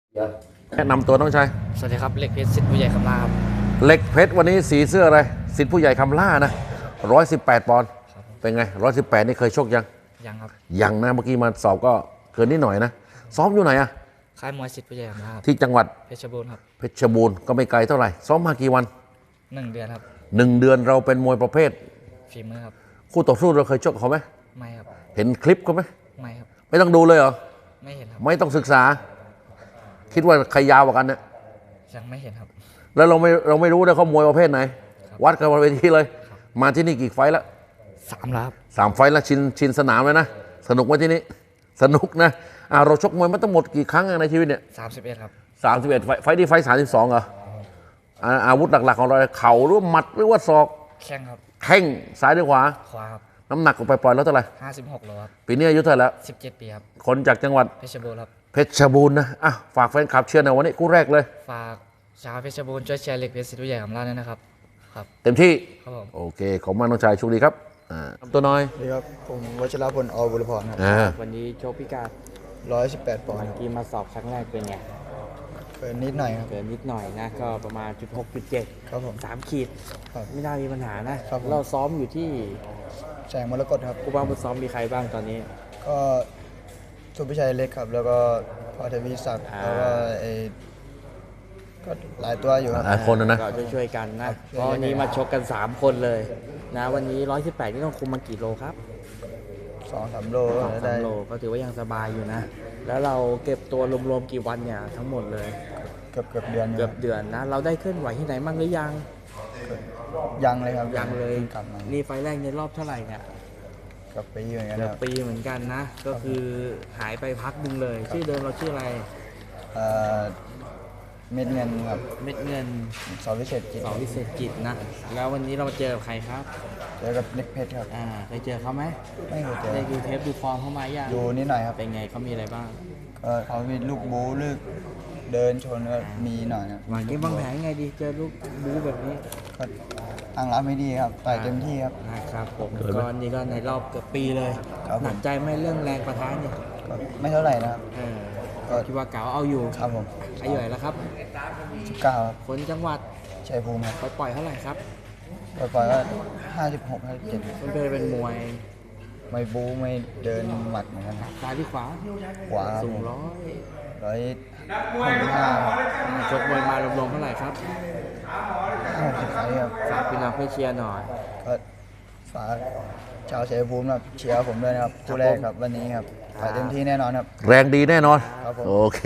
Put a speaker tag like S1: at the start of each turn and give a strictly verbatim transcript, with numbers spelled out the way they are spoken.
S1: แนะนำตัวน้องชาย
S2: สวัสดีครับเล็กเพชรสิทธิ์ผู้ใหญ่คำลาครับ
S1: เล็กเพชรวันนี้สีเสื้ออะไรสิทธิ์ผู้ใหญ่คำล่านะร้อยสิบแปดปอนด์เป็นไงร้อยสิบแปดนี่เคยชกยัง
S2: ยังครับ
S1: ยังนะเมื่อกี้มาสอบก็เกินนิดหน่อยนะซ้อมอยู่ไหนอะ
S2: ค่ายมวยสิทธิ์ผู้ใหญ่คำลาครับ
S1: ที่จังหวัด
S2: เพชรบูรณ์ครับ
S1: เพชรบูรณ์ก็ไม่ไกลเท่าไหร่ซ้อมมากี่วัน
S2: หนึ่งเดือนครับ
S1: หนึ่งเดือนเราเป็นมวยประเภท
S2: ฝีมือครับ
S1: คู่ต่อสู้เราเคยชกเขาไหม
S2: ไม่ครับ
S1: เห็นคลิปเขาไหม
S2: ไม่ครับ
S1: ไม่ต้องดูเลยเหรอ
S2: ไม่เห็นครับ
S1: ไม่ต้องศึกษา คิดว่าใครยาวกว่ากันเนี่ย
S2: ยังไม่เห็นครับ
S1: แล้วเราไม่เราไม่รู้เลยเขามวยประเภทไหน
S2: ครับ
S1: วัดกันบนเวทีเลย มาที่นี่กี่ไฟล์แล้ว
S2: สามแล้วครับ
S1: สามไฟล์แล้วชินชินสนามเลยนะสนุกไหมที่นี่สนุกนะอ่าเราชกมวยมาทั้งหมดกี่ครั้งอะในชีวิตเนี่ย
S2: สามสิบเอ็ดครับ
S1: สามสิบเอ็ดไฟล์ไฟล์ที่ไฟล์สามสิบสองเหรออ่าอาวุธหลักๆของเราเข่าหรือว่าหมัดหรือว่าศอก
S2: แข้งครับ
S1: แข้งซ้ายหรือขวา
S2: ขวาครับ
S1: น้ำหนักไปปล่อยๆแล้วเท่าไหร่
S2: ห้าสิบหกโลครับ
S1: ปีนี้อายุเท่าไหร่แล้ว
S2: สิบเจ็ดปีครับ
S1: คนจากจังหวัด
S2: เพชรบูรณ์ครับ
S1: เพชรบูรณ์นะอ่ะฝากแฟนคลับเชียร์ในอยวันนี้คู่แรกเลย
S2: ฝากชาวเพชรบูรณ์ช่วยเชียร์เล็กเพชรสิทธิ์ผู้ใหญ่คำลาด้วยนะครับครับ
S1: เต็มที่
S2: ครับผม
S1: โอเคขอบคุณมากน้องชายโชคดีครับอ่าตัวน้อย
S3: สวัสดีครับผมวัชรพลอบุรพรครับ
S1: อ่า
S4: วันนี้โชคพิการ
S3: ร้อยสิบแปดปอนด์
S4: เมื่อกี้มาสอบครั้งแรกเป็นไง
S3: เกินนิดหน่อยครับ
S4: เกินนิดหน่อยนะ ก็ประมาณจุดหกจุดเจ็ด
S3: ครับผม
S4: สามขีด
S3: ครับ
S4: ไม่น่ามีปัญหานะ
S3: ครับผม
S4: เราซ้อมอยู่ที่
S3: แสงมรกตครับ
S4: ครูบ้างบุซ้อมมีใครบ้างตอนนี้
S3: ก็สุพิชัยเล็กครับ แล้วก็พอทวีศักดิ์
S4: อ่า
S3: แล้วก็ไอ้ก็หลายตัวอยู่ครับ
S1: หลายคนนะนะ
S4: ก็ช่วยๆกันนะ
S3: ครับ
S4: เพราะวันนี้มาชกกัน สาม คนเลยนะวันนี้หนึ่งร้อยสิบแปดนี่ต้องคุมมากี่โลครับ
S3: สองสามโลก็
S4: สองสา
S3: ได้
S4: มโลก็ถือว่ายังสบายอยู่นะ แล้วเราเก็บตัวรวมๆกี่วันเนี่ยทั้งหมดเลย
S3: เกือบเกือบเดือนอยู่
S4: เกื
S3: ค
S4: อ
S3: รั
S4: บบ เดือนนะ เราได้เคลื่อนไหวที่ไหนบ้างหรือยัง
S3: ยังเลยครับ
S4: ยังเลย
S3: กลับมา
S4: นี่ไฟล์แรกในรอบเท่าไหร่เนี่ย
S3: เกับปีเหมือนกัน
S4: เกื
S3: ค
S4: อบ
S3: รับ
S4: ปีเหมือนกันนะ ก็คือหายไปพักหนึ่งเลย ชื่อเดิมเราชื่ออะไร
S3: เอ่อเม็ดเงินครับ
S4: เม็ดเงิน
S3: สอวิเศษกิจ
S4: สอวิเศษกิจนะ แล้ววันนี้เรามาเจอกับใครครับ
S3: เจอกับเล็กเพชรครับ
S4: อ่าเคยเจอเขาไหม
S3: ไม่เคยเจอ
S4: ได้ดูเทปดูฟอร์มเขามายัง
S3: ดูนิดหน่อยครับ
S4: เป็นไงเขามีอะไรบ้าง
S3: ก็เขามีลูกบู๊ลูกเดินชนก็มีหน่อยครับ
S4: วันนี้วางแผนยังไงดี เจอลูกบู๊แบบนี้
S3: ก็ตั้งรับไม่ดีครับต่อยเต็มที่ครับ
S4: นะครับผมก็นี่ก็ในรอบเกือบปีเลย
S3: ครับผม
S4: หนักใจไหมเรื่องแรงประทะเนี่ย
S3: ก็ไม่เท่าไหร่นะครับ
S4: เออก็คิดว่าเก๋าเอาอยู่
S3: ครับผม
S4: อายุเท่าไหร่แล้วครับ
S3: สิบเก้าครับ
S4: คนจังหวัด
S3: ชัยภูมิครับ
S4: ไปปล่อยเท่าไหร่ครับ
S3: ปล่อยๆก็ห้าสิบหกห้าสิบเจ็ด
S4: มันเป็นเป็นมวย
S3: ไม่บู๊ไม่เดินหมัดเหมือนกันครับ
S4: ซ้ายหรือขวา
S3: ขวาครับ
S4: สู
S3: ผ
S4: ง
S3: ม
S4: ร้อย
S3: ร้อยหกสิบห้า
S4: ชกมวยมารวมๆเท่าไหร่ครับ
S3: ห้าสิบไฟครับ
S4: ฝากพี่น้องเพื่อเชียร์หน่อย
S3: ก็ฝากชาวชัยภูมินะครับเชียร์ผมด้วยนะครับคู่แรกครับวันนี้ครับไปเต็มที่แน่นอนครับ
S1: แรงดีแน่นอน
S3: ครับผม
S1: โอเค